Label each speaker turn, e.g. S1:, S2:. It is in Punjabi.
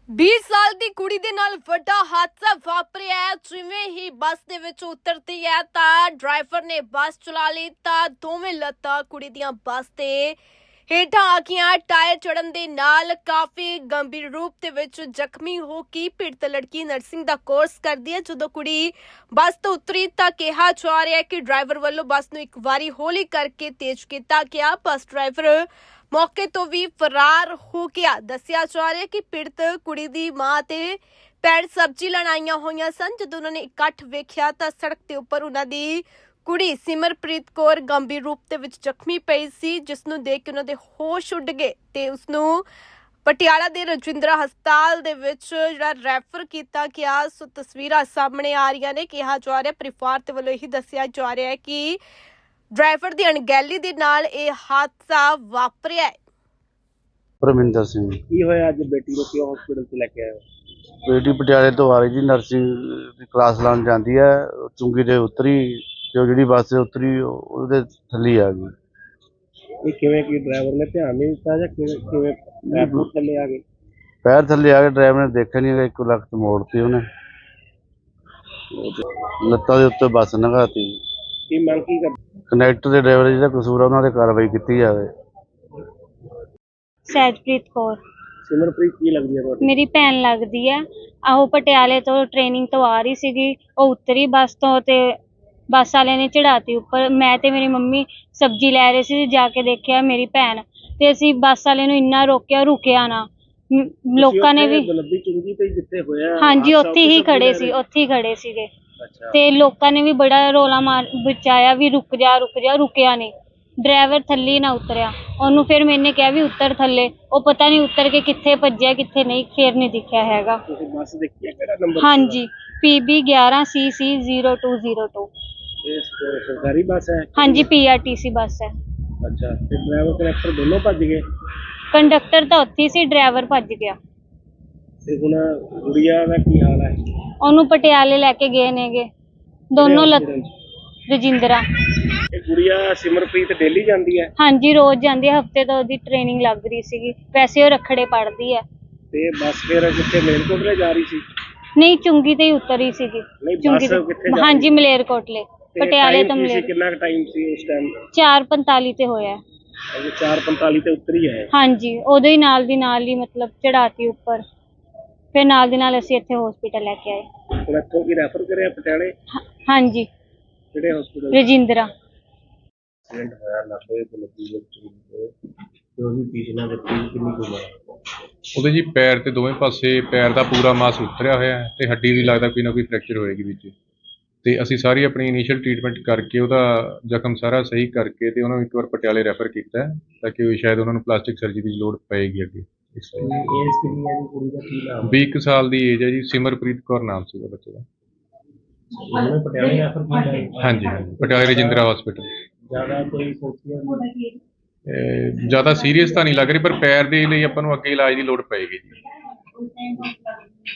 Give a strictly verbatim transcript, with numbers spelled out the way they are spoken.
S1: बीस साल ਦੀ ਕੁੜੀ ਦੇ ਨਾਲ ਵੱਡਾ ਹਾਦਸਾ ਵਾਪਰਿਆ ਹੈ। ਜਿਵੇਂ ਹੀ ਬੱਸ ਦੇ ਵਿੱਚ ਉਤਰਦੀ ਹੈ ਤਾਂ ਡਰਾਈਵਰ ਨੇ ਬੱਸ ਚਲਾ ਲਈ ਤਾਂ ਦੋਵੇਂ ਲੱਤਾਂ ਕੁੜੀ ਦੀਆਂ ਬੱਸ ਤੇ ਹੇਠਾਂ ਆ ਗਈਆਂ। ਟਾਇਰ ਚੜਨ ਦੇ ਨਾਲ ਕਾਫੀ ਗੰਭੀਰ ਰੂਪ ਦੇ ਵਿੱਚ ਜ਼ਖਮੀ ਹੋ ਕੇ ਪੀੜਤ ਲੜਕੀ ਨਰਸਿੰਗ ਦਾ ਕੋਰਸ ਕਰਦੀ ਹੈ। ਜਦੋਂ ਕੁੜੀ ਬੱਸ ਤੋਂ ਉਤਰੀ ਤਾਂ ਕਿਹਾ ਜਾ ਰਿਹਾ ਹੈ ਕਿ ਡਰਾਈਵਰ ਵੱਲੋਂ ਬੱਸ ਨੂੰ ਇੱਕ ਵਾਰੀ ਹੌਲੀ ਕਰਕੇ ਤੇਜ਼ ਕੀਤਾ ਗਿਆ। ਬੱਸ ਡਰਾਈਵਰ मौके तो भी फरार हो गया। दसिया जा रहा है कि पीड़ित कुड़ी दी मां ते भैन सब्जी लैण आईयां होईयां सन। जदों उन्होंने इकट्ठ वेख्या तां सड़क ते उपर उन्हां दी कुड़ी सिमरप्रीत कौर गंभीर रूप दे विच जख्मी पई सी, जिस नूं देख के उन्हां दे होश उड़ गए ते उस नूं पटियाला दे रजिंद्रा हस्पताल दे विच जिहड़ा रैफर कीता गया। सो तस्वीरां सामने आ रहीआं ने। कहा जा रहा परिवार दे वल्लों यही दसिया जा रहा है कि ड्राइवर की अणगहली दे नाल ये हादसा वापरिया है।
S2: परमिंदर सिंह
S3: की होया अज बेटी को क्यों हॉस्पिटल से लेके आए हो?
S2: बेटी पटियाले तो आ रही जी, नर्सिंग की क्लास लाने जाती है। चुंगी ते उतरी जो जी बस से उतरी ਉਹਦੇ थल्ले आ गई।
S3: ये किवें की ड्राइवर ने ध्यान नहीं दिता या किवें किवें पैर पूर थल्ले आ गए?
S2: पैर थल्ले आ गए, ड्राइवर ने देखा नहीं, एक लख्त मोड़ती उन्हें, ਲੱਤਾਂ ਦੇ ਉੱਤੇ ਬੱਸ ਲੰਘਾਤੀ।
S3: की मांग की कर
S2: ਕਨੈਕਟਰ ਦੇ ਡਰਾਈਵਰ ਜਿਹੜਾ ਕਸੂਰ ਆ ਉਹਨਾਂ ਤੇ ਕਾਰਵਾਈ ਕੀਤੀ ਜਾਵੇ।
S4: ਸਹਿਜਪ੍ਰੀਤ ਕੌਰ
S3: सिमरप्रीत की लगदी है ਤੁਹਾਡੀ?
S4: ਮੇਰੀ ਭੈਣ ਲੱਗਦੀ ਹੈ। ਆਹੋ ਪਟਿਆਲੇ ਤੋਂ ਟ੍ਰੇਨਿੰਗ ਤੋਂ ਆ ਰਹੀ ਸੀਗੀ। ਉਹ ਉਤਰੀ ਬੱਸ ਤੋਂ ਤੇ ਬੱਸ ਵਾਲੇ ਨੇ ਚੜਾਤੀ ਉੱਪਰ। ਮੈਂ ਤੇ ਮੇਰੀ ਮੰਮੀ ਸਬਜ਼ੀ ਲੈ ਰਹੇ ਸੀ। ਜਾ ਕੇ ਦੇਖਿਆ ਮੇਰੀ ਭੈਣ ਤੇ ਅਸੀਂ ਬੱਸ ਵਾਲੇ ਨੂੰ ਇੰਨਾ ਰੋਕਿਆ, ਰੁਕਿਆ ਨਾ। ਮ- ਲੋਕਾਂ ਨੇ ਵੀ
S3: ਗਲਤੀ ਚੁੰਗੀ ਤੇ ਜਿੱਥੇ ਹੋਇਆ
S4: ਹਾਂਜੀ
S3: ਹਾਦਸਾ
S4: ਉੱਥੇ ਹੀ
S3: ਸਬਜ਼ੀ
S4: ਖੜੇ
S3: ਲੈ
S4: ਸੀ,
S3: ਰਹੇ?
S4: ਉੱਥੇ ਹੀ ਖੜੇ ਸੀਗੇ।
S3: ਅੱਛਾ
S4: ਤੇ ਲੋਕਾਂ ਨੇ ਵੀ ਬੜਾ ਰੋਲਾ ਮਾਰ ਬਚਾਇਆ ਵੀ ਰੁਕ ਜਾ ਰੁਕ ਜਾ, ਰੁਕਿਆ ਨਹੀਂ। ਡਰਾਈਵਰ ਥੱਲੇ ਹੀ ਨਾ ਉਤਰਿਆ। ਉਹਨੂੰ ਫਿਰ ਮੈਨੇ ਕਿਹਾ ਵੀ ਉਤਰ ਥੱਲੇ। ਉਹ ਪਤਾ ਨਹੀਂ ਉਤਰ ਕੇ ਕਿੱਥੇ ਭੱਜਿਆ ਕਿੱਥੇ ਨਹੀਂ, ਫਿਰ ਨਹੀਂ ਦਿਖਿਆ ਹੈਗਾ।
S3: ਤੁਸੀਂ ਬੱਸ ਦੇਖੀ ਹੈ ਕਿਹੜਾ ਨੰਬਰ?
S4: ਹਾਂਜੀ ਪੀ ਬੀ ਗਿਆਰਾਂ C C zero two zero two.
S3: ਇਹ ਸ- ਸਰਕਾਰੀ ਬੱਸ ਹੈ?
S4: ਹਾਂਜੀ ਪੀ ਆਰ ਟੀ ਸੀ ਬੱਸ ਹੈ।
S3: ਅੱਛਾ ਤੇ ਡਰਾਈਵਰ ਕਨੈਕਟਰ ਦੋਨੋਂ ਭੱਜ ਗਏ
S4: ਕੰਡਕਟਰ ਤਾਂ ਉੱਥੇ ਹੀ ਸੀ, ਡਰਾਈਵਰ ਭੱਜ ਗਿਆ।
S3: ਤੇ ਹੁਣ ਗੁੜੀਆ ਦਾ ਕੀ ਹਾਲ ਹੈ?
S4: ਉਹਨੂੰ ਪਟਿਆਲੇ ਲੈ ਕੇ ਗਏ ਨੇਗੇ ਦੋਨੋਂ ਲੱਤ
S3: ਕਿਹੜੇ hospital 'ਚ?
S4: ਰਜਿੰਦਰਾ।
S3: ਇਹ ਗੁੜੀਆ ਸਿਮਰਪ੍ਰੀਤ ਡੇਲੀ ਜਾਂਦੀ ਹੈ
S4: ਹਾਂਜੀ ਰੋਜ਼ ਜਾਂਦੀ ਹੈ। ਹਫਤੇ ਤੋਂ ਉਹਦੀ ਟ੍ਰੇਨਿੰਗ ਲੱਗ ਰਹੀ ਸੀਗੀ। ਵੈਸੇ ਉਹ ਰੱਖੜੇ ਪੜ੍ਹਦੀ ਹੈ।
S3: ਤੇ ਬੱਸ ਫਿਰ ਕਿੱਥੇ ਮੇਲਕੋਟਲੇ ਜਾ ਰਹੀ ਸੀ?
S4: ਨਹੀਂ ਚੁੰਗੀ ਤੇ ਹੀ ਉਤਰੀ ਸੀਗੀ।
S3: ਨਹੀਂ
S4: ਚੁੰਗੀ
S3: ਬੱਸ
S4: ਤੇ
S3: ਕਿੱਥੇ ਜਾ
S4: ਹਾਂਜੀ
S3: ਰਹੀ
S4: ਮਲੇਰਕੋਟਲੇ
S3: ਤੇ
S4: ਪਟਿਆਲੇ
S3: time
S4: ਤੋਂ
S3: ਕੀ ਸੀ?
S4: ਮਲੇਰ
S3: ਕਿੰਨਾ ਟਾਈਮ ਸੀ ਉਸ ਟਾਈਮ?
S4: ਚਾਰ ਪੰਤਾਲੀ ਤੇ ਹੋਇਆ।
S3: ਅਜੇ ਚਾਰ ਪੰਤਾਲੀ ਤੇ ਉਤਰੀ ਹੈ।
S4: ਹਾਂਜੀ ਉਦੋਂ ਹੀ ਨਾਲ ਦੀ ਨਾਲ ਹੀ ਮਤਲਬ ਚੜਾਤੀ ਉੱਪਰ। ਫਿਰ ਨਾਲ ਦੀ ਨਾਲ ਅਸੀਂ ਇੱਥੇ ਹਸਪੀਟਲ ਲੈ ਕੇ ਆਏ।
S3: ਹੁਣ ਇੱਥੋਂ ਕੀ ਰੈਫਰ ਕਰਿਆ ਪਟਿਆਲੇ?
S4: ਹਾਂ- ਹਾਂਜੀ
S3: ਕਿਹੜੇ ਹਸਪੀਟਲ?
S4: ਰਜਿੰਦਰਾ।
S3: ਐਕਸੀਡੈਂਟ ਹੋਇਆ ਨਾਭੇ ਤੋਂ ਲੱਗੀ ਵਿੱਚ ਤੇ ਉਹਦੀ ਪੀਛਣਾ ਦੇ ਕਿੰਨੀ ਕੁ ਉਮਰ?
S5: ਉਹਦੇ ਜੀ ਪੈਰ ਤੇ ਦੋਵੇਂ ਪਾਸੇ ਪੈਰ ਦਾ ਪੂਰਾ ਮਾਸ ਉਤਰਿਆ ਹੋਇਆ ਹੈ ਤੇ ਹੱਡੀ ਵੀ ਲੱਗਦਾ ਕੋਈ ਨਾ ਕੋਈ ਫ੍ਰੈਕਚਰ ਹੋਏਗੀ ਵਿੱਚ। ਤੇ ਅਸੀਂ ਸਾਰੀ ਆਪਣੀ ਇਨੀਸ਼ੀਅਲ ਟ੍ਰੀਟਮੈਂਟ ਕਰਕੇ ਉਹਦਾ ਜ਼ਖਮ ਸਾਰਾ ਸਹੀ ਕਰਕੇ ਤੇ ਉਹਨਾਂ ਨੂੰ ਇੱਕ ਵਾਰ ਪਟਿਆਲੇ ਰੈਫਰ ਕੀਤਾ ਹੈ ਤਾਂ ਕਿ ਸ਼ਾਇਦ ਉਹਨਾਂ ਨੂੰ ਪਲਾਸਟਿਕ ਸਰਜਰੀ ਦੀ ਲੋੜ ਪਏਗੀ ਅੱਗੇ। ਇਸ ਲਈ
S3: ਏਜ ਕਿੰਨੀ ਹੈ ਜੀ ਕੁੜੀ ਦਾ? ਕੀ ਨਾਮ?
S5: ਵੀਹ ਕੁ ਸਾਲ ਦੀ ਏਜ ਹੈ ਜੀ। ਸਿਮਰਪ੍ਰੀਤ ਕੌਰ ਨਾਮ ਸੀਗਾ ਬੱਚੇ ਦਾ।
S3: ਉਹਨੇ ਪਟਿਆਲੇ ਰੈਫਰ ਕੀਤਾ ਹੈ?
S5: ਹਾਂਜੀ ਹਾਂਜੀ ਪਟਿਆਲੇ ਰਜਿੰਦਰਾ ਹਸਪੀਟਲ।
S3: ਜ਼ਿਆਦਾ ਕੋਈ ਸੋਚਿਆ
S5: ਜ਼ਿਆਦਾ ਸੀਰੀਅਸ ਤਾਂ ਨਹੀਂ ਲੱਗ ਰਹੀ ਪਰ ਪੈਰ ਦੇ ਲਈ ਆਪਾਂ ਨੂੰ ਅੱਗੇ ਇਲਾਜ ਦੀ ਲੋੜ ਪਏਗੀ ਜੀ।